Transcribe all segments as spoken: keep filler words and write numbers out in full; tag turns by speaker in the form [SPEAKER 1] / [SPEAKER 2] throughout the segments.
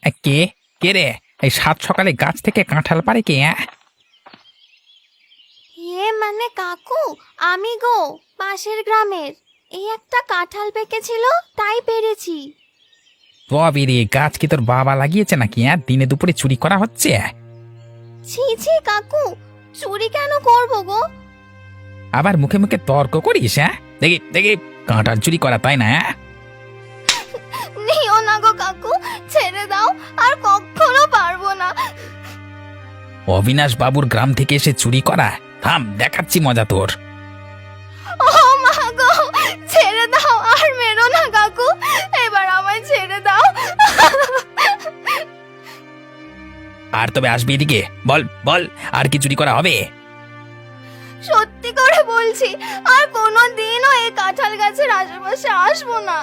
[SPEAKER 1] এ, কে কে রে? এই সাত সকালে গাছ থেকে কাঁঠাল পারে কে? অ্যাঁ?
[SPEAKER 2] এ মানে কাকু, আমি গো, পাশের গ্রামের। এই একটা কাঁঠাল পেকেছিল, তাই পেরেছি।
[SPEAKER 1] তবে রে, গাছ কি তোর বাবা লাগিয়েছে নাকি? হ্যাঁ, দিনে দুপুরে চুরি করা হচ্ছে?
[SPEAKER 2] ছি ছি কাকু, চুরি কেন করবো গো?
[SPEAKER 1] আবার মুখে মুখে তর্ক করিস? হ্যাঁ, দেখি দেখি কাঁঠাল চুরি করা, তাই না? হ্যাঁ?
[SPEAKER 2] নিও না গো কাকু, ছেড়ে দাও, আর কখনো পারবো না।
[SPEAKER 1] অবিনাশ বাবুর গ্রাম থেকে এসে চুরি করা? থাম, দেখাচ্ছি মজা তোর।
[SPEAKER 2] ও মা গো, ছেড়ে দাও, আর মেরো না কাকু, এবার আমায় ছেড়ে দাও।
[SPEAKER 1] আর তবে আসবি এদিকে, বল বল, আর কি চুরি করা হবে?
[SPEAKER 2] সত্যি করে বলছি, আর কোনো দিনও এই কাঁঠাল গাছের আশেপাশে আসবো না।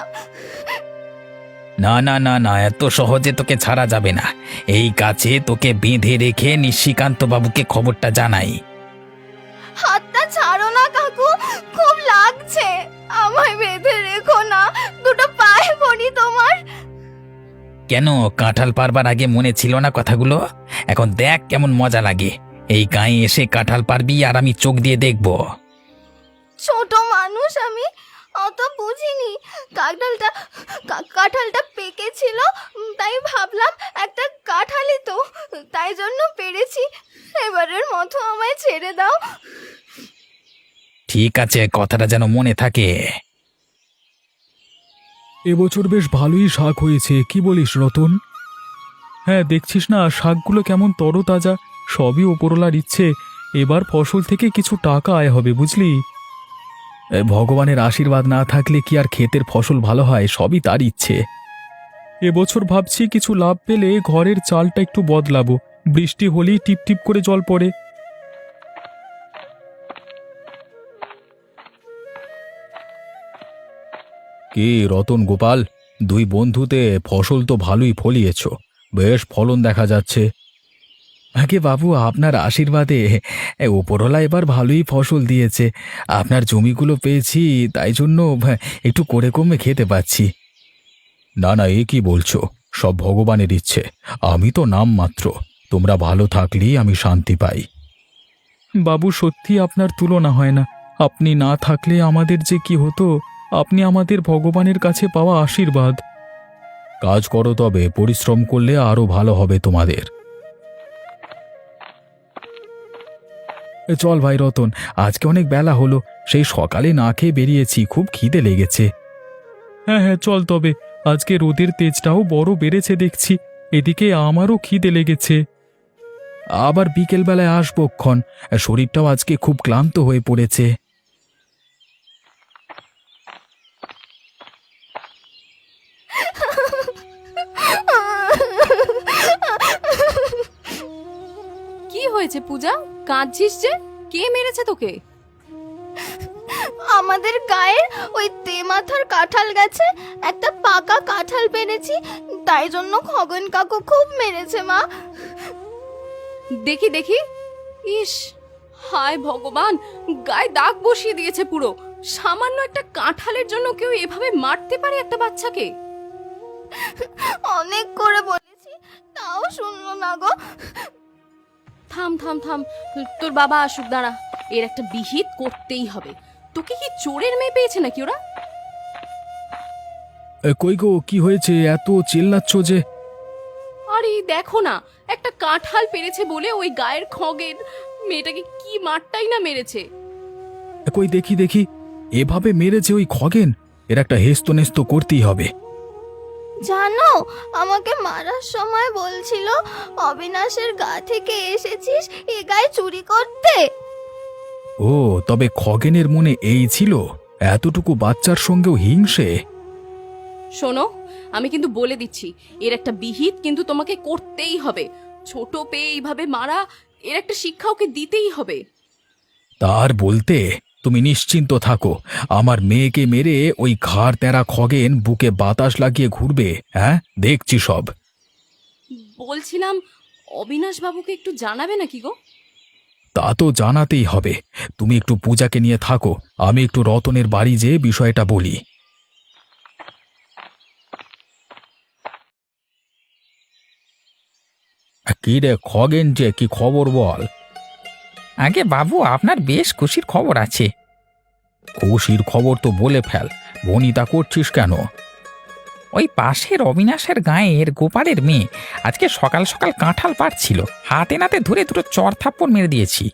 [SPEAKER 1] না না না না, এত সহজে তোকে ছাড়া যাবে না। এই গাছে তোকে বেঁধে রেখে নিশিকান্ত বাবুকে খবরটা জানাই।
[SPEAKER 2] হাতটা ছাড়ো না কাকু, খুব লাগছে, আমায় বেঁধে রেখো না, দুটো পায়ে পড়ি তোমার।
[SPEAKER 1] কেন, কাঁঠাল পারবার আগে মনে ছিল না কথাগুলো? এখন দেখ কেমন মজা লাগে। এই গায়ে এসে কাঁঠাল পারবি আর আমি চোখ দিয়ে দেখব।
[SPEAKER 2] ছোট মানুষ আমি, অত বুঝিনি। কাঁঠালটা কা- কাঁঠালটা পেকেছিল, উম, তাই ভাবলাম একটা কাঁঠালই তো, তাই জন্য পেরেছি। এবারের মতো আমায় ছেড়ে দাও।
[SPEAKER 1] ঠিক আছে, কথাটা যেন মনে থাকে।
[SPEAKER 3] এবছর বেশ ভালোই শাক হয়েছে, কি বলিস রতন? হ্যাঁ, দেখছিস না শাকগুলো কেমন তরতাজা, সবই ওপরওয়ালার ইচ্ছে। এবার ফসল থেকে কিছু টাকা আয় হবে, বুঝলি? এ, ভগবানের আশীর্বাদ না থাকলে কি আর ক্ষেতের ফসল ভালো হয়? সবই তার ইচ্ছে। এবছর ভাবছি কিছু লাভ পেলে ঘরের চালটা একটু বদলাবো। বৃষ্টি হলেই টিপ টিপ করে জল পড়ে। কি রতন গোপাল, দুই বন্ধুতে ফসল তো ভালোই ফলিয়েছ, বেশ ফলন দেখা যাচ্ছে। আগে বাবু, আপনার আশীর্বাদে এ, ওপরওয়ালা এবার ভালোই ফসল দিয়েছে। আপনার জমিগুলো পেয়েছি, তাই জন্য ভা, একটু করে কমে খেতে পাচ্ছি। না না, এ কি বলছো? সব ভগবানের ইচ্ছে, আমি তো নাম মাত্র। তোমরা ভালো থাকলেই আমি শান্তি পাই। বাবু, সত্যি আপনার তুলনা হয় না। আপনি না থাকলে আমাদের যে কি হতো। আপনি আমাদের ভগবানের কাছে পাওয়া আশীর্বাদ। কাজ করো, তবে পরিশ্রম করলে আরো ভালো হবে তোমাদের। এ, চল ভাই রতন, আজকে অনেক বেলা হলো, সেই সকালে না খেয়ে বেরিয়েছি, খুব খিদে লেগেছে। হ্যাঁ হ্যাঁ, চল তবে। আজকে রোদের তেজটাও বড় বেড়েছে দেখছি, এদিকে আমারও খিদে লেগেছে। আবার বিকেলবেলায় আসবো ক্ষণ, শরীরটাও আজকে খুব ক্লান্ত হয়ে পড়েছে।
[SPEAKER 4] কি হয়েছে পূজা, কাঁদছিস যে? কে মেরেছে তোকে?
[SPEAKER 2] আমাদের গায়ের ওই তেমাথার কাঁঠাল গাছে একটা পাকা কাঁঠাল পেরেছি, তাই জন্য খগন কাকু খুব মেরেছে মা।
[SPEAKER 4] দেখি দেখি। ইস, হায় ভগবান, গায়ে দাগ বসিয়ে দিয়েছে পুরো। সামান্য একটা কাঁঠালের জন্য কেউ এভাবে মারতে পারে একটা বাচ্চাকে?
[SPEAKER 2] অনেক করে বলেছি, তাও শুনলো না গো।
[SPEAKER 4] থাম থাম থাম, তোর বাবা আসুক, দাঁড়া। এর একটা বিহিত করতেই হবে। তোকে কি চোরের মেয়ে পেয়েছে নাকি ওরা?
[SPEAKER 3] এ, কই গো, কি হয়েছে? এত চিল্লাচ্ছ যে?
[SPEAKER 4] আরে দেখো না, একটা কাঁঠাল পেরেছে বলে ওই গায়ের খগের মেয়েটাকে কি মারটাই না মেরেছে।
[SPEAKER 3] এ, কই দেখি দেখি, এভাবে মেরেছে ওই খগেন? এর একটা হেস্ত নেস্ত করতেই হবে।
[SPEAKER 2] জানো, আমাকে মারার সময় বলছিল অবিনাশের গা থেকে এসেছিস এ গায়ে চুরি করতে।
[SPEAKER 3] ও, তবে খগেনের মনে এই ছিল? এতটুকু বাচ্চার সঙ্গেও হিংসে?
[SPEAKER 4] শোনো, আমি কিন্তু বলে দিচ্ছি, এর একটা বিহিত কিন্তু তোমাকে করতেই হবে। ছোট পেয়ে এইভাবে মারা, এর একটা শিক্ষা ওকে দিতেই হবে।
[SPEAKER 3] তার বলতে, তুমি নিশ্চিন্ত থাকো, আমার মেয়েকে মেরে ওই ঘাড় তেরা খগেন বুকে বাতাস লাগিয়ে ঘুরবে। হ্যাঁ, দেখছি সব।
[SPEAKER 4] বলছিলাম, অবিনাশ বাবুকে একটু জানাবে নাকি গো?
[SPEAKER 3] তা তো জানাতেই হবে। তুমি একটু পূজাকে নিয়ে থাকো, আমি একটু রতনের বাড়ি যেয়ে বিষয়টা বলি। কি রে খগেন, যে কি খবর বল?
[SPEAKER 1] আগে বাবু, আপনার বেশ খুশির খবর আছে।
[SPEAKER 3] খুশির খবর তো বলে ফেল, বনিতা করছিস কেন?
[SPEAKER 1] ওই পাশের অবিনাশের গাঁয়ের গোপালের মেয়ে আজকে সকাল সকাল কাঁঠাল পাড়ছিল, হাতে নাতে ধরে দুটো চর থাপ্পড় মেরে দিয়েছি।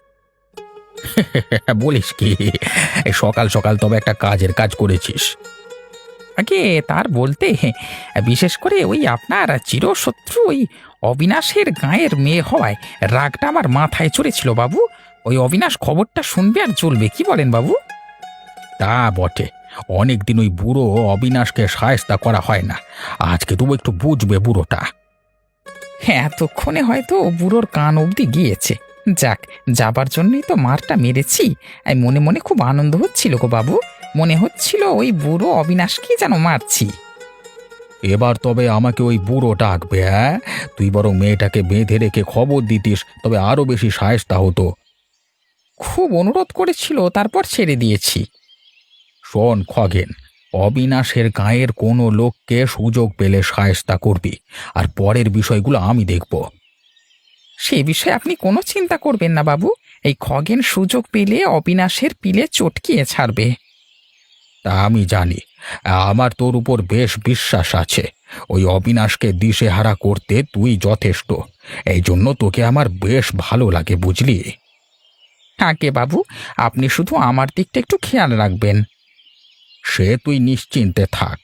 [SPEAKER 3] বলিস কি? এই সকাল সকাল তবে একটা কাজের কাজ করেছিস।
[SPEAKER 1] আগে তার বলতে, বিশেষ করে ওই আপনার চিরশত্রু ওই অবিনাশের গাঁয়ের মেয়ে হওয়ায় রাগটা আমার মাথায় চড়েছিল বাবু। ওই অবিনাশ খবরটা শুনবে আর চলবে, কি বলেন বাবু?
[SPEAKER 3] তা বটে, অনেকদিন ওই বুড়ো অবিনাশকে সায়স্তা করা হয় না, আজকে তবু একটু বুঝবে বুড়োটা।
[SPEAKER 1] হ্যাঁ, এতক্ষণে হয়তো বুড়োর কান অবধি গিয়েছে। যাক, যাবার জন্যই তো মারটা মেরেছি। এই মনে মনে খুব আনন্দ হচ্ছিল গো বাবু, মনে হচ্ছিল ওই বুড়ো অবিনাশকে যেন মারছি।
[SPEAKER 3] এবার তবে আমাকে ওই বুড়ো ডাকবে, হ্যাঁ? তুই বরং মেয়েটাকে বেঁধে রেখে খবর দিতিস, তবে আরো বেশি সায়স্তা হতো।
[SPEAKER 1] খুব অনুরোধ করেছিল, তারপর ছেড়ে দিয়েছি।
[SPEAKER 3] শোন খগেন, অবিনাশের গাঁয়ের কোনো লোককে সুযোগ পেলে সায়স্তা করবি, আর পরের বিষয়গুলো আমি দেখব।
[SPEAKER 1] সে বিষয়ে আপনি কোনো চিন্তা করবেন না বাবু, এই খগেন সুযোগ পেলে অবিনাশের পিলে চটকিয়ে ছাড়বে।
[SPEAKER 3] তা আমি জানি, আমার তোর উপর বেশ বিশ্বাস আছে। ওই অবিনাশকে দিশেহারা করতে তুই যথেষ্ট, এই জন্য তোকে আমার বেশ ভালো লাগে, বুঝলি?
[SPEAKER 1] আগে বাবু, আপনি শুধু আমার দিকটা একটু খেয়াল রাখবেন।
[SPEAKER 3] সে তুই নিশ্চিন্তে থাক।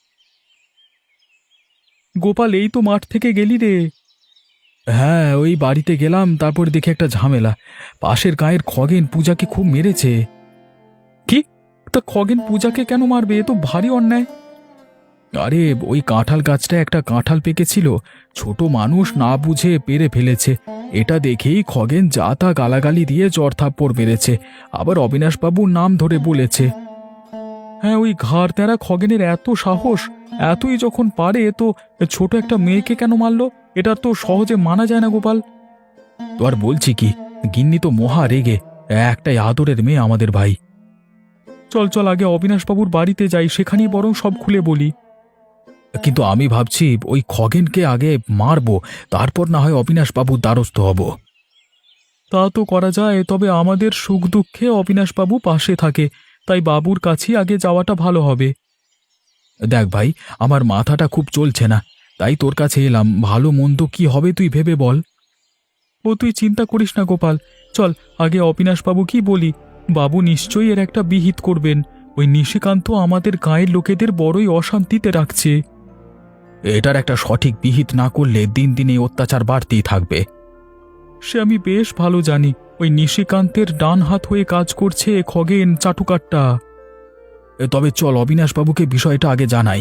[SPEAKER 5] গোপাল, এই তো মাঠ থেকে গেলি রে। হ্যাঁ, ওই বাড়িতে গেলাম, তারপর দেখে একটা ঝামেলা। পাশের গায়ের খগেন পূজাকে খুব মেরেছে। কি? তা খগেন পূজাকে কেন মারবে? এ তো ভারী অন্যায়। আরে, ওই কাঁঠাল গাছটা একটা কাঁঠাল পেকেছিল, ছোট মানুষ না বুঝে পেরে ফেলেছে। এটা দেখেই খগেন যা তা গালাগালি দিয়ে চড়থাপ্পড় মেরেছে, আবার অবিনাশবাবুর নাম ধরে বলেছে। হ্যাঁ, ওই ঘাড় তেরা খগেনের এত সাহস! এতই যখন পারে, তো ছোট একটা মেয়েকে কেন মারলো? এটা তো সহজে মানা যায় না গোপাল। তো আর বলছি কি, গিন্নি তো মহা রেগে, একটাই আদরের মেয়ে আমাদের ভাই। চল চল, আগে অবিনাশবাবুর বাড়িতে যাই, সেখানেই বরং সব খুলে বলি। কিন্তু আমি ভাবছি ওই খগেনকে আগে মারবো, তারপর না হয় অবিনাশবাবুর দ্বারস্থ হব। তা তো করা যায়, তবে আমাদের সুখ দুঃখে অবিনাশবাবু পাশে থাকে, তাই বাবুর কাছেই আগে যাওয়াটা ভালো হবে। দেখ ভাই, আমার মাথাটা খুব চলছে না, তাই তোর কাছে এলাম। ভালো মন্দ কি হবে তুই ভেবে বল। ও তুই চিন্তা করিস না গোপাল, চল আগে অবিনাশবাবু কি বলি। বাবু নিশ্চয়ই এর একটা বিহিত করবেন। ওই নিশিকান্ত আমাদের গায়ের লোকেদের বড়ই অশান্তিতে রাখছে। এটার একটা সঠিক বিহিত না করলে দিন দিন এই অত্যাচার বাড়তেই থাকবে। সে আমি বেশ ভালো জানি। ওই নিশিকান্তের ডান হাত হয়ে কাজ করছে খগেন চাটুকারটা। তবে চল অবিনাশবাবুকে বিষয়টা আগে জানাই।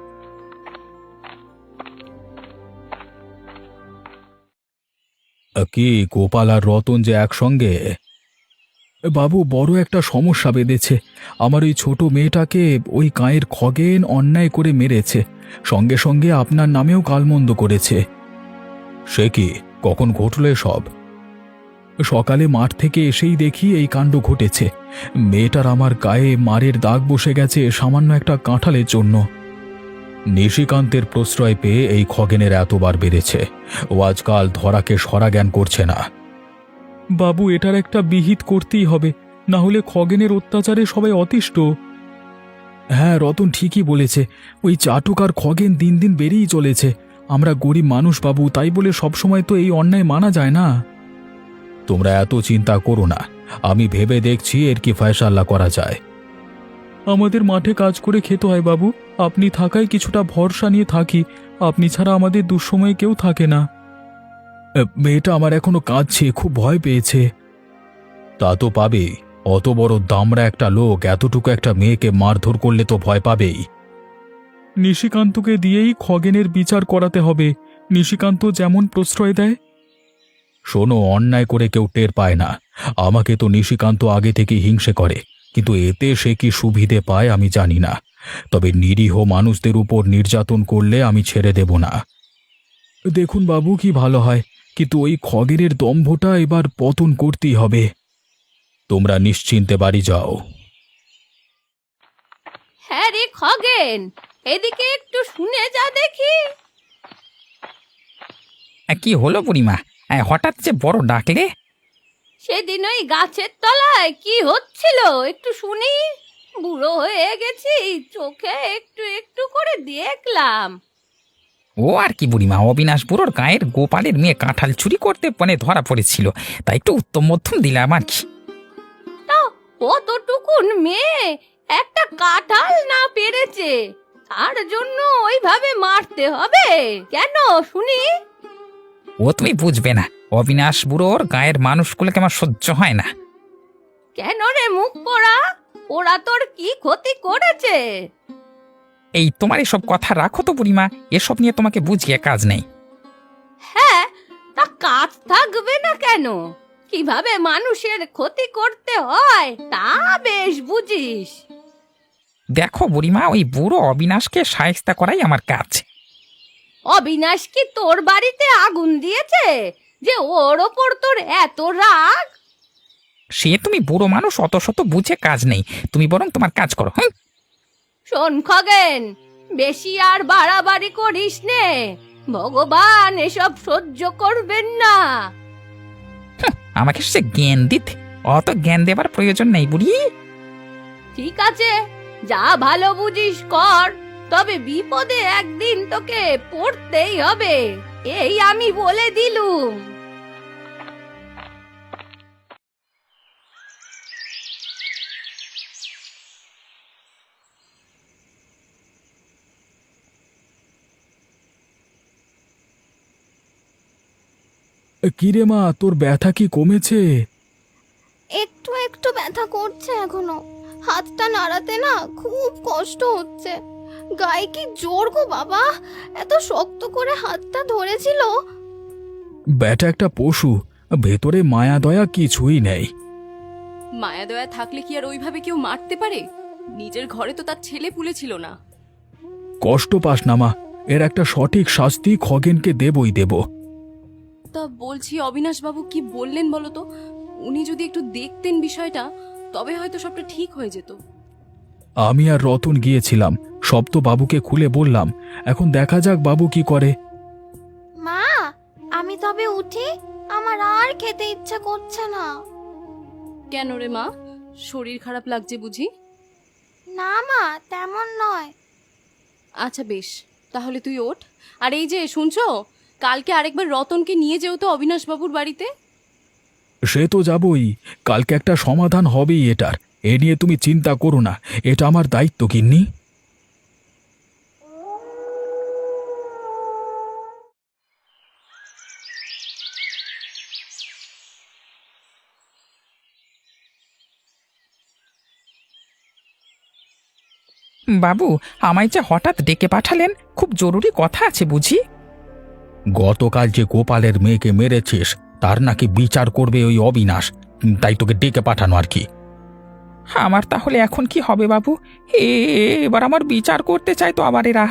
[SPEAKER 3] কি গোপাল আর রতন যে একসঙ্গে?
[SPEAKER 5] বাবু, বড় একটা সমস্যা বেঁধেছে। আমার ওই ছোট মেয়েটাকে ওই গাঁয়ের খগেন অন্যায় করে মেরেছে, সঙ্গে সঙ্গে আপনার নামেও গালমন্দ করেছে।
[SPEAKER 3] সে কি? কখন ঘটল সব?
[SPEAKER 5] সকালে মাঠ থেকে এসেই দেখি এই কাণ্ড ঘটেছে। মেয়েটার আমার গায়ে মারের দাগ বসে গেছে সামান্য একটা কাঁঠালের জন্য।
[SPEAKER 3] নিশিকান্তের প্রশ্রয় পেয়ে এই খগেনের এতবার বেড়েছে, ও আজকাল ধরাকে সরা জ্ঞান করছে না।
[SPEAKER 5] বাবু, এটার একটা বিহিত করতেই হবে, না হলে খগেনের অত্যাচারে সবাই অতিষ্ঠ। হ্যাঁ, রতন ঠিকই বলেছে। ওই চাটুক আর খগেন দিন দিন বেড়েই চলেছে। আমরা গরিব মানুষ বাবু, তাই বলে সবসময় তো এই অন্যায় মানা যায় না।
[SPEAKER 3] তোমরা এত চিন্তা করো না, আমি ভেবে দেখছি এর কি ফয়সাল্লা করা যায়।
[SPEAKER 5] আমাদের মাঠে কাজ করে খেতে হয় বাবু, আপনি থাকায় কিছুটা ভরসা নিয়ে থাকি। আপনি ছাড়া আমাদের দুঃসময়ে কেউ থাকে না। মেয়েটা আমার এখনো কাঁদছে, খুব ভয় পেয়েছে।
[SPEAKER 3] তা তো পাবেই, অত বড় দামড়া একটা লোক এতটুকু একটা মেয়েকে মারধর করলে তো ভয় পাবেই।
[SPEAKER 5] নিশিকান্তকে দিয়েই খগেনের বিচার করাতে হবে। নিশিকান্ত যেমন প্রশ্রয় দেয়।
[SPEAKER 3] শোনো, অন্যায় করে কেউ টের পায় না। আমাকে তো নিশিকান্ত আগে থেকে হিংসে করে, কিন্তু এতে সে কি সুবিধে পায় আমি জানি না। তবে নিরীহ মানুষদের উপর নির্যাতন করলে আমি ছেড়ে দেব না।
[SPEAKER 5] দেখুন বাবু, কি ভালো হয়, কিন্তু ওই খগেনের দম্ভটা এবার পতন করতেই হবে।
[SPEAKER 3] তোমরা নিশ্চিন্তে বাড়ি যাও।
[SPEAKER 4] হ্যাঁ রে খগেন, এদিকে একটু শুনে যা দেখি।
[SPEAKER 1] কি হলো বুড়িমা? হ্যাঁ, হঠাৎ যে বড় ডাকলে?
[SPEAKER 4] সেদিন ওই গাছের তলায় কি হচ্ছিল একটু শুনি। বুড়ো হয়ে গেছি, চোখে একটু একটু করে দেখলাম।
[SPEAKER 1] ও আর কি বুড়িমা, অবিনাশ বুড়োর গায়ের গোপালের মেয়ে কাঁঠাল চুরি করতে মানে ধরা পড়েছিল, তাই একটু উত্তম মধ্যম দিলাম আর কি।
[SPEAKER 4] তা কতটুকুন মেয়ে একটা কাঁঠাল না পেরেছে, তার জন্য ওইভাবে মারতে হবে কেন শুনি?
[SPEAKER 1] ও তুমি বুঝবে না, অবিনাশ বুড়োর গায়ের মানুষগুলোকে আমার সহ্য হয় না।
[SPEAKER 4] কেন রে মুখ পোড়া, ওরা তোর কি ক্ষতি করেছে?
[SPEAKER 1] এই তোমার এসব কথা রাখো তো বুড়িমা, এসব নিয়ে তোমাকে বুঝিয়ে কাজ নেই।
[SPEAKER 4] হ্যাঁ, তা কাজ থাকবে না কেন? কিভাবে মানুষের ক্ষতি করতে হয় তা বেশ বুঝিস।
[SPEAKER 1] দেখো বুড়িমা, ওই বুড়ো অবিনাশকে সায়স্তা করাই আমার কাজ।
[SPEAKER 4] অবিনাশ কি তোর বাড়িতে আগুন দিয়েছে যে ওর ওপর তোর এত রাগ?
[SPEAKER 1] সে তুমি বুড়ো মানুষ, অত শত বুঝে কাজ নেই, তুমি বরং তোমার কাজ করো। হ্যাঁ,
[SPEAKER 4] শোন খগেন, বেশি আর বাড়াবাড়ি করিস নে, ভগবান এসব সহ্য করবেন না।
[SPEAKER 1] আমাকে সে জ্ঞান দিতে, অত জ্ঞান দেবার প্রয়োজন নেই বুড়ি।
[SPEAKER 4] ঠিক আছে, যা ভালো বুঝিস কর, তবে বিপদে একদিন তোকে পড়তেই হবে, এই আমি বলে দিলুম।
[SPEAKER 5] কিরে মা, তোর ব্যথা কি কমেছে?
[SPEAKER 2] একটু একটু ব্যথা করছে এখনো। হাতটা নাড়াতে না খুব কষ্ট হচ্ছে। গায়ে কি জোর গো বাবা, এত শক্ত করে হাতটা ধরেছিল।
[SPEAKER 5] ব্যাটা একটা পশু, ভেতরে মায়া দয়া কিছুই নেই।
[SPEAKER 4] মায়া দয়া থাকলে কি আর ওইভাবে কেউ মারতে পারে? নিজের ঘরে তো তার ছেলে পুলে ছিল না।
[SPEAKER 5] কষ্ট পাস না মা, এর একটা সঠিক শাস্তি খগেনকে দেবই দেব।
[SPEAKER 4] তা বলছি, অবিনাশ বাবু কি বললেন বলো তো? উনি যদি একটু দেখতেন বিষয়টা, তবে হয়তো সবটা ঠিক হয়ে যেত।
[SPEAKER 5] আমি আর রতন গিয়েছিলাম, সব তো বাবুকে খুলে বললাম। এখন দেখা যাক বাবু কি করে।
[SPEAKER 2] মা, আমি তবে উঠি, আমার আর খেতে ইচ্ছা করছে না।
[SPEAKER 4] কেন রে মা, শরীর খারাপ লাগছে বুঝি?
[SPEAKER 2] না মা, তেমন নয়।
[SPEAKER 4] আচ্ছা বেশ, তাহলে তুই ওঠ। আর এই যে শুনছো, কালকে আরেকবার রতনকে নিয়ে যেও তো অবিনাশ বাবুর বাড়িতে।
[SPEAKER 5] সে তো যাবই, কালকে একটা সমাধান হবেই এটার, এ নিয়ে তুমি চিন্তা করো না, এটা আমার দায়িত্ব গিন্নি।
[SPEAKER 1] বাবু, আমায় যে হঠাৎ ডেকে পাঠালেন, খুব জরুরি কথা আছে বুঝি।
[SPEAKER 3] গতকাল যে গোপালের মেয়েকে মেরেছিস তার নাকি বিচার করবে ওই অবিনাশ, তাই তোকে ডেকে পাঠানো আর কি।
[SPEAKER 1] আমার তাহলে এখন কি হবে বাবু? এ এবার আমার বিচার করতে চাই তো আবার এরা।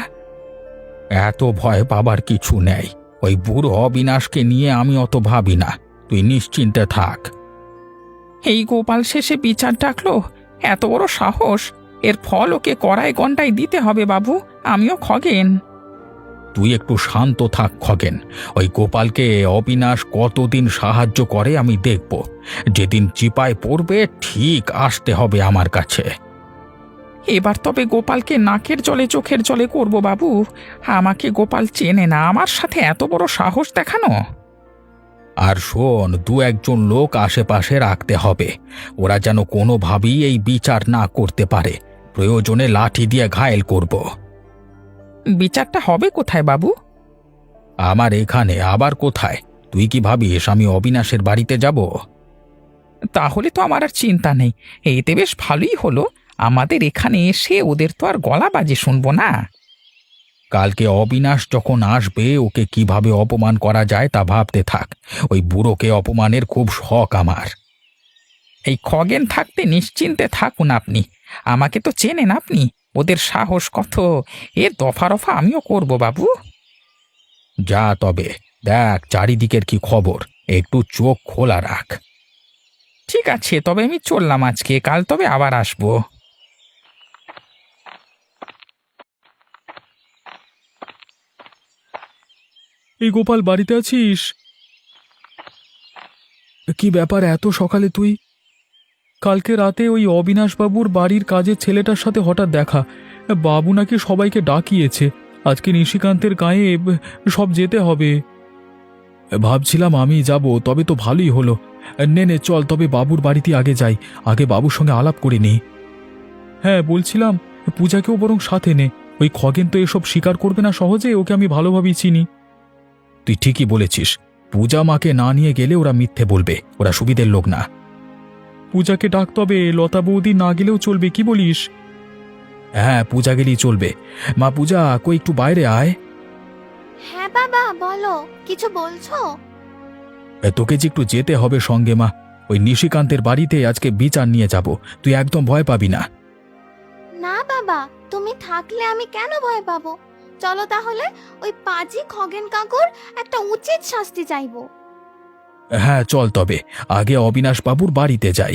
[SPEAKER 3] এত ভয় পাবার কিছু নেই, ওই বুড়ো অবিনাশকে নিয়ে আমি অত ভাবি না, তুই নিশ্চিন্তে থাক।
[SPEAKER 1] এই গোপাল শেষে বিচার ডাকলো, এত বড় সাহস! এর ফল ওকে কড়ায় গন্ডায় দিতে হবে বাবু, আমিও খগেন।
[SPEAKER 3] তুই একটু শান্ত থাক খগেন, ওই গোপালকে অবিনাশ কতদিন সাহায্য করে আমি দেখব, যেদিন চিপায় পড়বে ঠিক আসতে হবে আমার কাছে।
[SPEAKER 1] এবার তবে গোপালকে নাকের জলে চোখের জলে করব বাবু। আমাকে গোপাল চেনে না, আমার সাথে এত বড় সাহস দেখানো।
[SPEAKER 3] আর শোন, দু একজন লোক আশেপাশে রাখতে হবে, ওরা যেন কোনোভাবেই এই বিচার না করতে পারে, প্রয়োজনে লাঠি দিয়ে ঘায়েল করব।
[SPEAKER 1] বিচারটা হবে কোথায় বাবু?
[SPEAKER 3] আমার এখানে আবার কোথায়? তুই কি ভাবিস আমি অবিনাশের বাড়িতে যাব?
[SPEAKER 1] তাহলে তো আমার আর চিন্তা নেই, এতে বেশ ভালোই হলো। আমাদের এখানে এসে ওদের তো আর গলা বাজে শুনবো না।
[SPEAKER 3] কালকে অবিনাশ যখন আসবে ওকে কিভাবে অপমান করা যায় তা ভাবতে থাক, ওই বুড়োকে অপমানের খুব শখ আমার।
[SPEAKER 1] এই খগেন থাকতে নিশ্চিন্তে থাকুন আপনি, আমাকে তো চেনেন আপনি, ওদের সাহস কত, এ দফা রফা আমিও করব বাবু।
[SPEAKER 3] যা তবে, দেখ চারিদিকের কি খবর, একটু চোখ খোলা রাখ।
[SPEAKER 1] ঠিক আছে, তবে আমি চললাম আজকে, কাল তবে আবার আসবো।
[SPEAKER 5] এই গোপাল, বাড়িতে আছিস? কি ব্যাপার এত সকালে তুই? কালকে রাতে ওই অবিনাশবাবুর বাড়ির কাজের ছেলেটার সাথে হঠাৎ দেখা। বাবু নাকি সবাইকে ডাকিয়েছে, আজকে নিশিকান্তের গায়ে সব যেতে হবে। ভাবছিলাম আমি যাব, তবে তো ভালোই হলো। নে নে চল, তবে বাবুর বাড়িতে আগে যাই, আগে বাবুর সঙ্গে আলাপ করে নিই। হ্যাঁ বলছিলাম, পূজাকেও বরং সাথে নে। ওই খগেন তো এসব স্বীকার করবে না সহজে, ওকে আমি ভালোভাবেই চিনি। তুই ঠিকই বলেছিস, পূজা মাকে না নিয়ে গেলে ওরা মিথ্যে বলবে, ওরা সুবিধের লোক না। পূজাকে ডাক, তবে লতা বৌদি না গেলেও চলবে, কি বলিস? হ্যাঁ পূজা গেলেই চলবে। মা পূজা, কই একটু বাইরে আয়।
[SPEAKER 2] হ্যাঁ বাবা, বলো, কিছু বলছো?
[SPEAKER 5] এ, তোকে যে একটু যেতে হবে সঙ্গে মা। ওই নিশিকান্তের বাড়িতে আজকে বিচার নিয়ে যাব, তুই একদম ভয় পাবি না।
[SPEAKER 2] না বাবা, তুমি থাকলে আমি কেন ভয় পাবো? চলো তাহলে, ওই পাজি খগেন কাকুর একটা উচিত শাস্তি চাইবো।
[SPEAKER 5] হ্যাঁ চল, তবে আগে অবিনাশ বাবুর বাড়িতে যাই।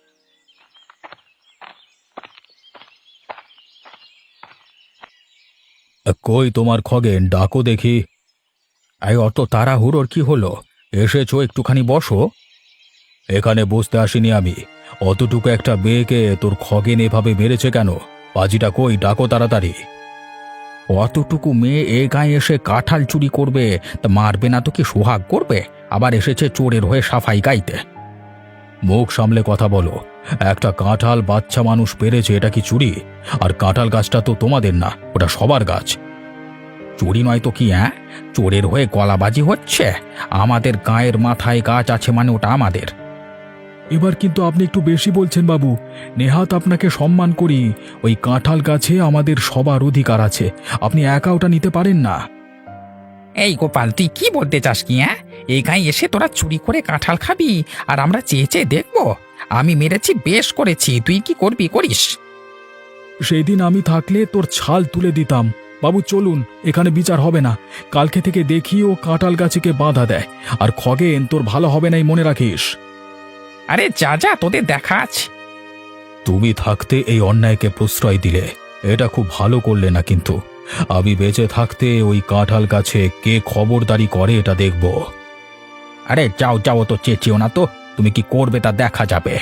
[SPEAKER 5] কই তোমার খগেন, ডাকো দেখি। এই অত তাড়াহুড়োর কি হলো? এসেছো, একটুখানি বসো। এখানে বসতে আসিনি আমি। অতটুকু একটা মেয়েকে তোর খগেন এভাবে মেরেছে কেন? পাজিটা কই, ডাকো তাড়াতাড়ি। অতটুকু মেয়ে এ গায়ে এসে কাঁঠাল চুরি করবে, তা মারবে না তো কি সোহাগ করবে? আবার এসেছে চোরের হয়ে সাফাই গাইতে। মুখ সামলে কথা বলো। একটা কাঁঠাল বাচ্চা মানুষ পেরেছে, এটা কি চুরি? আর কাঁঠাল গাছটা তো তোমাদের না, ওটা সবার গাছ। চুরি নয় তো কি? হ্যাঁ, চোরের হয়ে গলাবাজি হচ্ছে। আমাদের গায়ের মাথায় গাছ আছে মানে ওটা আমাদের। এবার কিন্তু আপনি একটু বেশি বলছেন বাবু। নেহাত আপনাকে সম্মান করি, ওই কাঁঠাল গাছে আমাদের সবার অধিকার আছে, আপনি একা ওটা নিতে পারেন না।
[SPEAKER 1] এই গোপাল, তুই কি বলতে চাস কি? হ্যাঁ, এই গায়ে এসে তোরা চুরি করে কাঁঠাল খাবি আর আমরা চেয়ে চেয়ে দেখবো? আমি মেরেছি, বেশ করেছি, তুই কি করবি করিস।
[SPEAKER 5] সেই দিন আমি থাকলে তোর ছাল তুলে দিতাম। বাবু চলুন, এখানে বিচার হবে না। কালকে থেকে দেখি ও কাঁঠাল গাছকে বাধা দেয়। আর খগেন, তোর ভালো হবে নাই, মনে রাখিস।
[SPEAKER 1] আরে যা যা, তোদের দেখা আছে।
[SPEAKER 5] তুমি থাকতে এই অন্যায়কে প্রশ্রয় দিলে, এটা খুব ভালো করলে না। কিন্তু আমি বেঁচে থাকতে ওই কাঁঠাল গাছে কে খবরদারি করে এটা দেখব।
[SPEAKER 1] আরে যাও যাও, তো চেঁচিও না তো, তুমি কি করবে তা দেখা যাবে।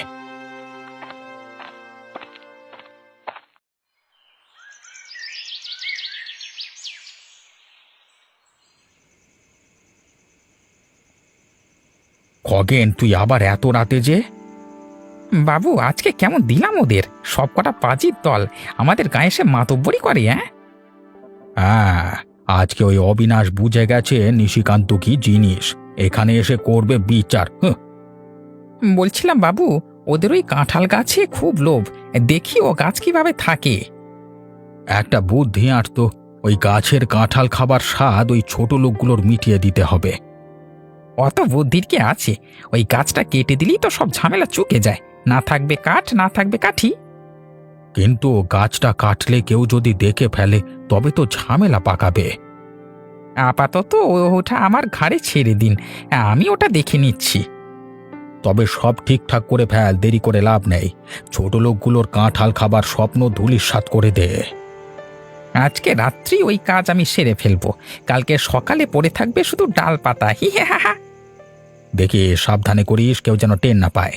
[SPEAKER 1] খগেন, তুই আবার এত রাতে যে? বাবু, আজকে কেমন দিলাম ওদের, সব কটা পাজির দল আমাদের গায়ে এসে মাতব্বরি করে। হ্যাঁ
[SPEAKER 5] হ্যাঁ, আজকে ওই অবিনাশ বুঝে গেছে নিশিকান্ত কি জিনিস, এখানে এসে করবে বিচার। হুঁ।
[SPEAKER 1] বলছিলাম বাবু, ওদের ওই কাঁঠাল গাছে খুব লোভ, দেখি ও গাছ কিভাবে থাকে।
[SPEAKER 5] একটা বুদ্ধি আঁটতো, ওই গাছের কাঁঠাল খাবার স্বাদ ওই ছোট লোকগুলোর মিটিয়ে দিতে হবে।
[SPEAKER 1] অত বুদ্ধির কি আছে? ওই গাছটা কেটে দিলেই তো সব ঝামেলা চুকে যায়, না থাকবে কাঠ, না থাকবে কাঠি।
[SPEAKER 5] কিন্তু গাছটা কাটলে কেউ যদি দেখে ফেলে, তবে তো ঝামেলা পাকাবে।
[SPEAKER 1] আপাতত ও- ওটা আমার ঘাড়ে ছেড়ে দিন, আমি ওটা দেখে নিচ্ছি।
[SPEAKER 5] তবে সব ঠিকঠাক করে ফেল, দেরি করে লাভ নেই। ছোট লোকগুলোর কাঁঠাল খাবার স্বপ্ন ধূলিসাৎ করে দে।
[SPEAKER 1] আজকে রাত্রি ওই কাজ আমি সেরে ফেলবো, কালকে সকালে পড়ে থাকবে শুধু ডাল পাতা। হি হা হা হা।
[SPEAKER 5] দেখি সাবধানে করিস, কেউ যেন টের না পায়।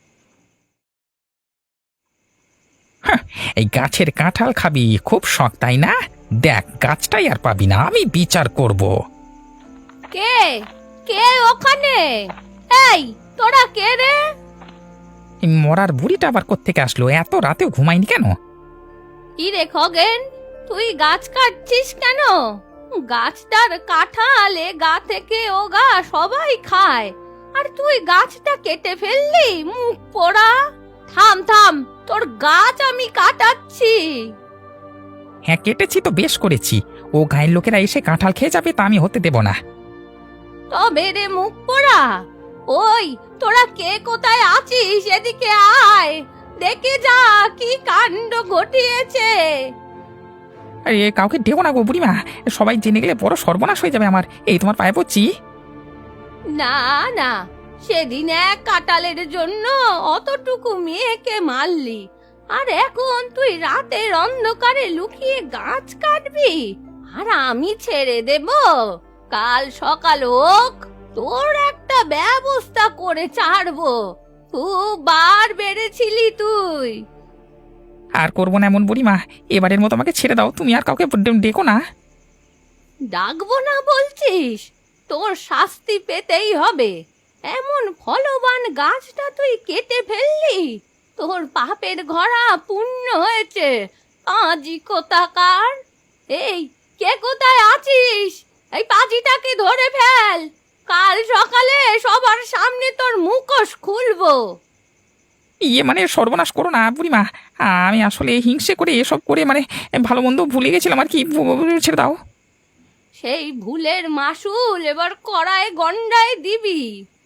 [SPEAKER 1] হাহ, এই গাছের কাঁঠাল খাবি খুব শখ, তাই না? দেখ, গাছটাই আর পাবি না, আমি বিচার করব।
[SPEAKER 4] কে কে ওখানে? এই তোরা কে রে?
[SPEAKER 1] এই মরার বুড়িটা আবার কোত্থেকে আসলো? এত রাতেও ঘুমায়নি কেন?
[SPEAKER 4] কি রে খগেন, তুই গাছ কাটছিস কেন? গাছটার কাঁঠাল এ গা থেকে ও গা সবাই খায়, আর তুই গাছটা কেটে ফেললি, মুখ পোড়া। থাম থাম, তোর গাছ আমি কাটাচ্ছি।
[SPEAKER 1] হ্যাঁ, কেটেছি তো বেশ করেছি, ও গায়ের লোকেরা এসে কাঁঠাল খেয়ে যাবে, তা আমি হতে দেব না।
[SPEAKER 4] তবে রে মুখ পোড়া, ওই তোরা কে কোথায় আছিস, এদিকে আয়, দেখে যা কি কাণ্ড ঘটিয়েছে।
[SPEAKER 1] আরে কাউকে ডেকো না গো বুড়িমা, সবাই জেনে গেলে বড় সর্বনাশ হয়ে যাবে আমার। এই তোমার পায়ে পড়ছি।
[SPEAKER 4] না না, সেদিন এক কাঁঠালের জন্য অতটুকু মেয়েকে মারলি, আর এখন তুই রাতের অন্ধকারে লুকিয়ে গাছ কাটবি, আর আমি ছেড়ে দেব? কাল সকাল হোক, তোর একটা একটা ব্যবস্থা করে ছাড়বো। খুব বার বেড়েছিলি তুই।
[SPEAKER 1] আর করবো না এমন বুড়িমা, এবারের মতো আমাকে ছেড়ে দাও, তুমি আর কাউকে ডে- ডেকো না।
[SPEAKER 4] ডাকবো না বলছিস? তোর শাস্তি পেতেই হবে। এমন ফলবান গাছটা তুই কেটে ফেললি, তোর পাপের ঘোড়া পূর্ণ হয়েছে। পাজি কোথাকার! এই, কে কোথায় আছিস? এই পাজিটাকে ধরে ফেল। কাল সকালে সবার সামনে তোর মুখোশ খুলবো।
[SPEAKER 1] ইয়ে মানে সর্বনাশ করো না বুড়িমা, আমি আসলে হিংসে করে এসব করে মানে ভালো মন্দ ভুলে গেছিলাম আর কি, ভু- ছেড়ে দাও।
[SPEAKER 4] সেই ভুলের মাসুল এবার কড়ায় গন্ডায় দিবি।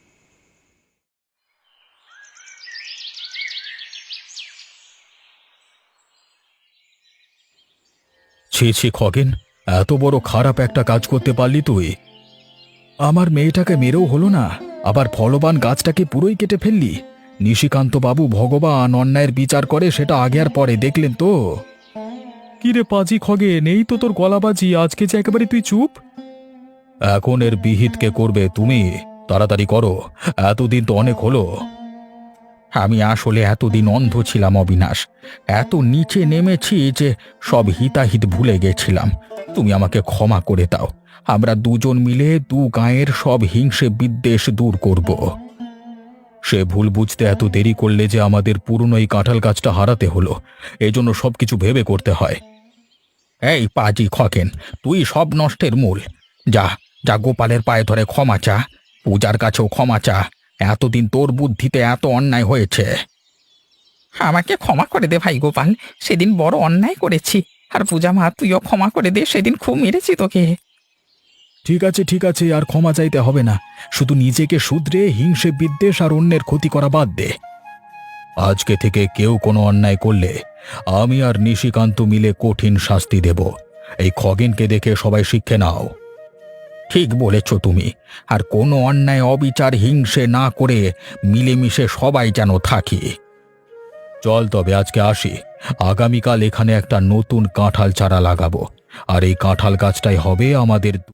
[SPEAKER 3] ছি ছি খগেন, এত বড় খারাপ একটা কাজ করতে পারলি তুই। আমার মেয়েটাকে মেরেও হলো না, আবার ফলবান গাছটাকে পুরোই কেটে ফেললি। নিশিকান্ত বাবু ভগবান অন্যায়ের বিচার করে, সেটা আগে আর পরে দেখলেন তো। কি রে পাজি খগেন, এই তো তোর গলাবাজি, আজকে যে একেবারে তুই চুপ। এখন এর বিহিত কে করবে? তুমি তাড়াতাড়ি করো, এতদিন তো অনেক হলো।
[SPEAKER 1] আমি আসলে এতদিন অন্ধ ছিলাম অবিনাশ, এত নিচে নেমেছি যে সব হিতাহিত ভুলে গেছিলাম। তুমি আমাকে ক্ষমা করে দাও, আমরা দুজন মিলে দু গাঁয়ের সব হিংসে বিদ্বেষ দূর করব।
[SPEAKER 3] সে ভুল বুঝতে এত দেরি করলে যে আমাদের পুরনো এই কাঁঠাল গাছটা হারাতে হলো, এজন্য সবকিছু ভেবে করতে হয়।
[SPEAKER 1] এই পাজি খকেন, তুই সব নষ্টের মূল। যা যা গোপালের পায়ে ধরে ক্ষমা চা, পূজার কাছেও ক্ষমা চা। এতদিন তোর বুদ্ধিতে এত অন্যায় হয়েছে। আমাকে ক্ষমা করে দে ভাই গোপাল, সেদিন বড় অন্যায় করেছি। আর পূজা মা, তুইও ক্ষমা করে দে, সেদিন খুব মেরেছি তোকে।
[SPEAKER 3] ঠিক আছে ঠিক আছে, আর ক্ষমা চাইতে হবে না। শুধু নিজেকে শুধরে হিংসে বিদ্বেষ আর অন্যের ক্ষতি করা বাদ দে। আজকে থেকে কেউ কোনো অন্যায় করলে আমি আর নিশিকান্ত মিলে কঠিন শাস্তি দেব। এই খগেনকে দেখে সবাই শিক্ষে নাও।
[SPEAKER 1] ঠিক বলেছ তুমি, আর কোনো অন্যায় অবিচার হিংসে না করে মিলেমিশে সবাই যেন থাকি।
[SPEAKER 3] চল তবে আজকে আসি, আগামীকাল এখানে একটা নতুন কাঁঠাল চারা লাগাবো, আর এই কাঁঠাল গাছটাই হবে আমাদের